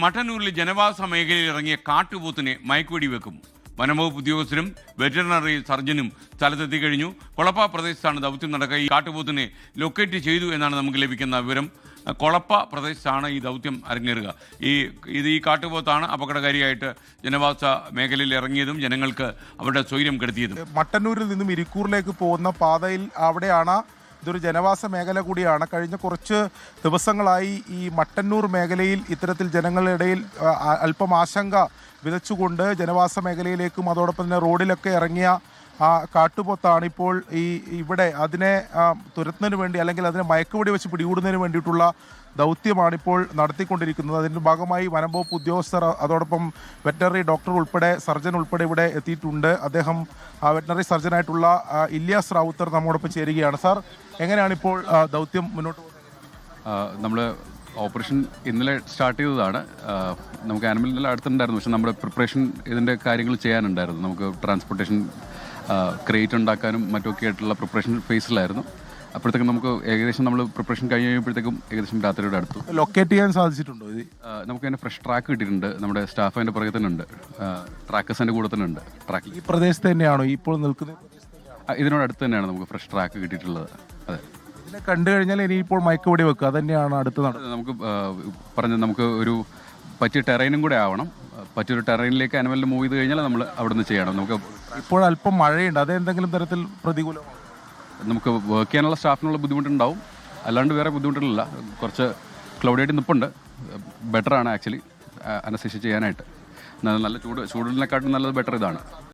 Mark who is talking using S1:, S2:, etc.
S1: മട്ടന്നൂരിൽ ജനവാസ മേഖലയിൽ ഇറങ്ങിയ കാട്ടുപോത്തിനെ മയക്കുവെടി വെക്കും. വനംവകുപ്പ് ഉദ്യോഗസ്ഥരും വെറ്ററിനറി സർജനും സ്ഥലത്തെത്തി കഴിഞ്ഞു. കൊളപ്പ പ്രദേശത്താണ് ദൗത്യം നടക്കുക. ഈ കാട്ടുപോത്തിനെ ലൊക്കേറ്റ് ചെയ്തു എന്നാണ് നമുക്ക് ലഭിക്കുന്ന വിവരം. കൊളപ്പ പ്രദേശത്താണ് ഈ ദൗത്യം അരങ്ങേറുക. ഈ കാട്ടുപോത്താണ് അപകടകാരിയായിട്ട് ജനവാസ മേഖലയിൽ ഇറങ്ങിയതും ജനങ്ങൾക്ക് അവരുടെ സ്വൈര്യം കെടുത്തിയതും.
S2: മട്ടന്നൂരിൽ നിന്നും ഇരിക്കൂറിലേക്ക് പോകുന്ന പാതയിൽ അവിടെയാണ്. ഇതൊരു ജനവാസ മേഖല കൂടിയാണ്. കഴിഞ്ഞ കുറച്ച് ദിവസങ്ങളായി ഈ മട്ടന്നൂർ മേഖലയിൽ ഇത്തരത്തിൽ ജനങ്ങളുടെ ഇടയിൽ അല്പം ആശങ്ക വിതച്ചുകൊണ്ട് ജനവാസ മേഖലയിലേക്കും അതോടൊപ്പം തന്നെ റോഡിലൊക്കെ ഇറങ്ങിയ കാട്ടുപോത്താണ് ഇപ്പോൾ ഇവിടെ അതിനെ തുരത്തുന്നതിന് വേണ്ടി അല്ലെങ്കിൽ അതിനെ മയക്കുവെടി വെച്ച് പിടികൂടുന്നതിന് വേണ്ടിയിട്ടുള്ള ദൗത്യമാണിപ്പോൾ നടത്തിക്കൊണ്ടിരിക്കുന്നത്. അതിൻ്റെ ഭാഗമായി വനംവകുപ്പ് ഉദ്യോഗസ്ഥർ അതോടൊപ്പം വെറ്ററിനറി ഡോക്ടർ ഉൾപ്പെടെ സർജൻ ഉൾപ്പെടെ ഇവിടെ എത്തിയിട്ടുണ്ട്. അദ്ദേഹം വെറ്ററിനറി സർജനായിട്ടുള്ള ഇല്യാസ് റാവുത്തർ നമ്മോടൊപ്പം ചേരുകയാണ്. സാർ, എങ്ങനെയാണ് ഇപ്പോൾ ദൗത്യം മുന്നോട്ട് പോകുന്നത്?
S3: നമ്മൾ ഓപ്പറേഷൻ ഇന്നലെ സ്റ്റാർട്ട് ചെയ്തതാണ്. നമുക്ക് ആനിമൽ അടുത്തുണ്ടായിരുന്നു, പക്ഷെ നമ്മുടെ പ്രിപ്പറേഷൻ ഇതിൻ്റെ കാര്യങ്ങൾ ചെയ്യാനുണ്ടായിരുന്നു. നമുക്ക് ട്രാൻസ്പോർട്ടേഷൻ ക്രേറ്റ് ഉണ്ടാക്കാനും മറ്റുമൊക്കെ ആയിട്ടുള്ള പ്രിപ്പറേഷൻ ഫേസിലായിരുന്നു. അപ്പോഴത്തേക്കും നമുക്ക് ഏകദേശം നമ്മൾ പ്രിപ്പറേഷൻ കഴിഞ്ഞ് കഴിയുമ്പോഴത്തേക്കും ഏകദേശം രാത്രിയുടെ അടുത്തു.
S2: ലൊക്കേറ്റ് ചെയ്യാൻ സാധിച്ചിട്ടുണ്ടോ?
S3: നമുക്ക് അതിന് ഫ്രഷ് ട്രാക്ക് കിട്ടിയിട്ടുണ്ട്. നമ്മുടെ സ്റ്റാഫ് അതിൻ്റെ പുറകെ തന്നെ ഉണ്ട്, ട്രാക്കേഴ്സ് അതിൻ്റെ കൂടെ തന്നെ ഉണ്ട്. ട്രാക്ക്
S2: ഈ പ്രദേശത്ത് തന്നെയാണോ ഇപ്പോൾ നിൽക്കുന്നത്?
S3: ഇതിനോടടുത്ത് തന്നെയാണ് നമുക്ക് ഫ്രഷ് ട്രാക്ക് കിട്ടിയിട്ടുള്ളത്. അതെ,
S2: ഇതിനെ കണ്ടു കഴിഞ്ഞാൽ ഇനിയിപ്പോൾ മയക്കുവെടി വെക്കുക അതന്നെയാണ് അടുത്ത് നടക്കുന്നത്.
S3: നമുക്ക് പറഞ്ഞത് നമുക്ക് ഒരു പറ്റിയ ടെറൈനും കൂടെ ആവണം. പറ്റിയൊരു ടെറൈനിലേക്ക് ആനിമലിന് മൂവ് ചെയ്ത് കഴിഞ്ഞാൽ നമ്മൾ അവിടെ നിന്ന് ചെയ്യണം. നമുക്ക്
S2: ഇപ്പോൾ അല്പം മഴയുണ്ട്, അതെന്തെങ്കിലും തരത്തിൽ പ്രതികൂലമാണ്?
S3: നമുക്ക് വർക്ക് ചെയ്യാനുള്ള സ്റ്റാഫിനുള്ള ബുദ്ധിമുട്ടുണ്ടാവും, അല്ലാണ്ട് വേറെ ബുദ്ധിമുട്ടുകളില്ല. കുറച്ച് ക്ലൗഡിയായിട്ട് നിൽപ്പുണ്ട്. ബെറ്ററാണ് ആക്ച്വലി അനസ്തേഷ്യ ചെയ്യാനായിട്ട്. നല്ല ചൂടിനെക്കാട്ടും നല്ലത് ബെറ്റർ ഇതാണ്.